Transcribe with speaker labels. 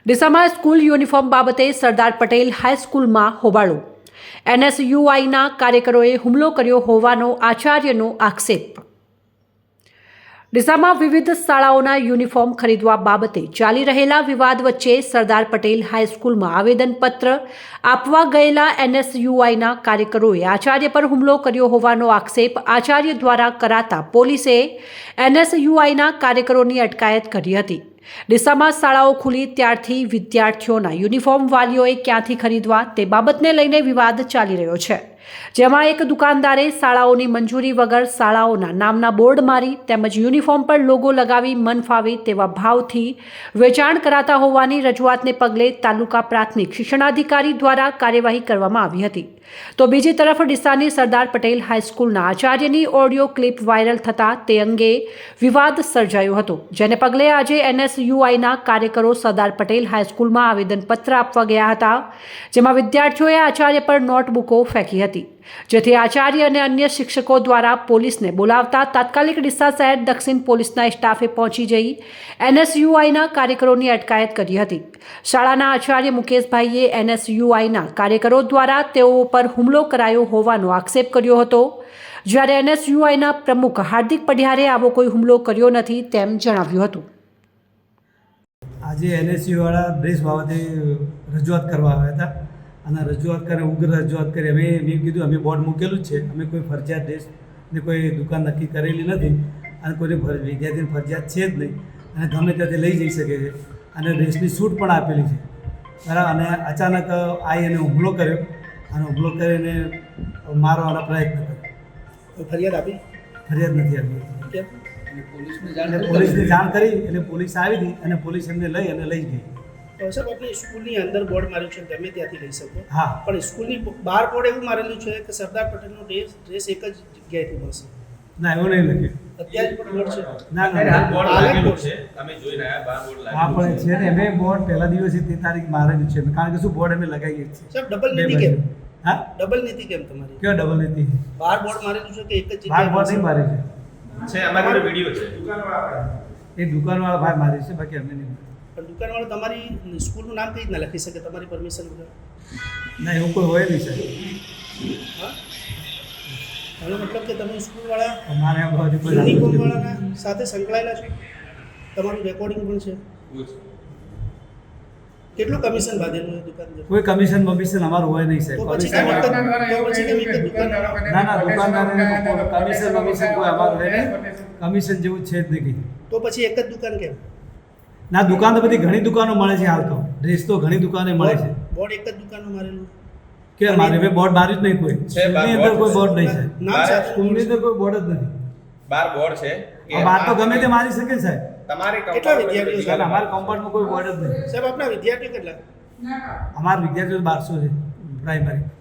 Speaker 1: ડીસામાં school uniform બાબતે સરદાર પટેલ હાઈસ્કૂલમાં હોબાળો. એનએસયુઆઈના કાર્યકરોએ હુમલો કર્યો હોવાનો આચાર્યનો આક્ષેપ. ડીસામાં વિવિધ શાળાઓના યુનિફોર્મ ખરીદવા બાબતે ચાલી રહેલા વિવાદ વચ્ચે સરદાર પટેલ હાઈસ્કૂલમાં આવેદનપત્ર આપવા ગયેલા એનએસયુઆઈના કાર્યકરોએ આચાર્ય પર હુમલો કર્યો હોવાનો આક્ષેપ આચાર્ય દ્વારા કરાતા પોલીસે એનએસયુઆઈના કાર્યકરોની અટકાયત કરી હતી. ડીસામાં શાળાઓ ખુલી ત્યારથી વિદ્યાર્થીઓના યુનિફોર્મ વાલીઓએ ક્યાંથી ખરીદવા તે બાબતને લઈને વિવાદ ચાલી રહ્યો છે, જેમાં એક દુકાનદારે શાળાઓની મંજૂરી વગર શાળાઓના નામના બોર્ડ મારી તેમજ યુનિફોર્મ પર લોગો લગાવી મન ફાવે તેવા ભાવથી વેચાણ કરાતા હોવાની રજૂઆતને પગલે તાલુકા પ્રાથમિક શિક્ષણાધિકારી દ્વારા કાર્યવાહી કરવામાં આવી હતી. તો બીજી તરફ ડીસાની સરદાર પટેલ હાઈસ્કૂલના આચાર્યની ઓડિયો ક્લિપ વાયરલ થતાં તે અંગે વિવાદ સર્જાયો હતો, જેને પગલે આજે એનએસયુઆઈના કાર્યકરો સરદાર પટેલ હાઈસ્કૂલમાં આવેદનપત્ર આપવા ગયા હતા, જેમાં વિદ્યાર્થીઓએ આચાર્ય પર નોટબુકો ફેંકી હતી, જેથી આચાર્ય અને અન્ય શિક્ષકો દ્વારા પોલીસને બોલાવતા તાત્કાલિક ડીસા શહેર દક્ષિણ પોલીસના સ્ટાફે પહોંચી જઈ એનએસયુઆઈના કાર્યકરોની અટકાયત કરી હતી. શાળાના આચાર્ય મુકેશભાઈએ એનએસયુઆઈના કાર્યકરો દ્વારા તેઓ પર હુમલો કરાયો હોવાનો આક્ષેપ કર્યો હતો, જ્યારે એનએસયુઆઈના પ્રમુખ હાર્દિક પઢિયારે આવો કોઈ હુમલો કર્યો નથી તેમ જણાવ્યું હતું.
Speaker 2: આજે એનએસયુવાળા ડ્રેસ બાબતે રજૂઆત કરવા આવ્યા હતા અને રજૂઆત કરી ઉગ્ર રજૂઆત કરી. મેં કીધું અમે બોર્ડ મૂકેલું જ છે, અમે કોઈ ફરજિયાત ડ્રેસની કોઈ દુકાન નક્કી કરેલી નથી અને કોઈને વિદ્યાર્થીની ફરજિયાત છે જ નહીં અને ગમે ત્યાંથી લઈ જઈ શકે છે અને ડ્રેસની છૂટ પણ આપેલી છે, બરાબર. અને અચાનક આવી એને હુમલો કર્યો અને હુમલો કરીને મારવાનો પ્રયત્ન કર્યો.
Speaker 3: ફરિયાદ આપી?
Speaker 2: ફરિયાદ નથી આપી. પોલીસને જાણ કરી એટલે પોલીસ આવી હતી અને પોલીસ એમને લઈ ગઈ.
Speaker 3: સાહેબ, આપણે સ્કૂલની અંદર બોર્ડ માર્યું છે, તમે ત્યાંથી લઈ શકો.
Speaker 2: હા,
Speaker 3: પણ સ્કૂલની બહાર બોર્ડ એવું મારેલું છે કે સરદાર પટેલનો ડ્રેસ એક જ જગ્યાએથી મળશે.
Speaker 2: ના, એવું નહીં લખ્યું.
Speaker 3: અત્યારે પણ બોર્ડ છે?
Speaker 2: ના,
Speaker 4: બોર્ડ લાગેલું છે, તમે જોઈ રહ્યા બહાર બોર્ડ લાગેલું.
Speaker 2: હા, પણ છે ને, અમે બોર્ડ પહેલા દિવસે તે તારીખ મારેલું છે, કારણ કે શું બોર્ડ અમે લગાવીએ છીએ.
Speaker 3: સાહેબ, ડબલ નીતિ કેમ?
Speaker 2: હા,
Speaker 3: ડબલ નીતિ કેમ તમારી?
Speaker 2: કયો ડબલ નીતિ?
Speaker 3: બહાર બોર્ડ મારેલું છે કે એક જ
Speaker 2: બહાર
Speaker 3: જગ્યાએ
Speaker 2: બોર્ડ નહીં મારે
Speaker 4: છે, અમારી જોડે વિડીયો છે.
Speaker 2: એ દુકાનવાળા ભાઈ મારે છે, બાકી અમે નહીં.
Speaker 3: પણ દુકાનવાળો તમારી સ્કૂલનું નામ કઈ રીતના લખી શકે તમારી પરમિશન વગર?
Speaker 2: ના, એવું કોઈ હોય નહીં સાહેબ.
Speaker 3: હા, એનો મતલબ કે તમે સ્કૂલવાળા
Speaker 2: અમારે આ બાજુ કોઈ
Speaker 3: યુનિફોર્મવાળાના સાથે સંકળાયેલા છો, તમારું રેકોર્ડિંગ પણ છે. કેટલું કમિશન બાંધેલું દુકાનદાર?
Speaker 2: કોઈ કમિશન બમિશન અમારું હોય નહીં સાહેબ.
Speaker 3: તો પછી કેમ એક જ દુકાનવાળા?
Speaker 2: ના, દુકાનદાર કમિશન બમિશન કોઈ અમારું હોય નહીં. કમિશન જેવું છે જ નહીં.
Speaker 3: તો પછી એક જ દુકાન કેમ?
Speaker 2: ના, દુકાન તો બધી ઘણી દુકાનો મળે છે હાલ તો. ડ્રેસ તો ઘણી દુકાને મળે છે.
Speaker 3: બોર્ડ એક જ દુકાનમાં મારેલું
Speaker 2: કે મારે મેં બોર્ડ માર્યું જ નહીં કોઈ. સ્કૂલની અંદર કોઈ બોર્ડ નહીં છે.
Speaker 3: નામ સાથે
Speaker 2: સ્કૂલની અંદર કોઈ બોર્ડ જ નથી.
Speaker 4: બાર બોર્ડ છે.
Speaker 2: બહાર તો ગમે તે મારી શકે સાહેબ.
Speaker 4: તમારે
Speaker 3: કેટલા વિદ્યાર્થીઓ છે?
Speaker 2: અમારા કમ્પાઉન્ડમાં કોઈ બોર્ડ જ નહીં
Speaker 3: સાહેબ, આપણા વિદ્યાર્થીઓ કેટલા?
Speaker 2: અમારા વિદ્યાર્થીઓ 1200 છે પ્રાઇમરી.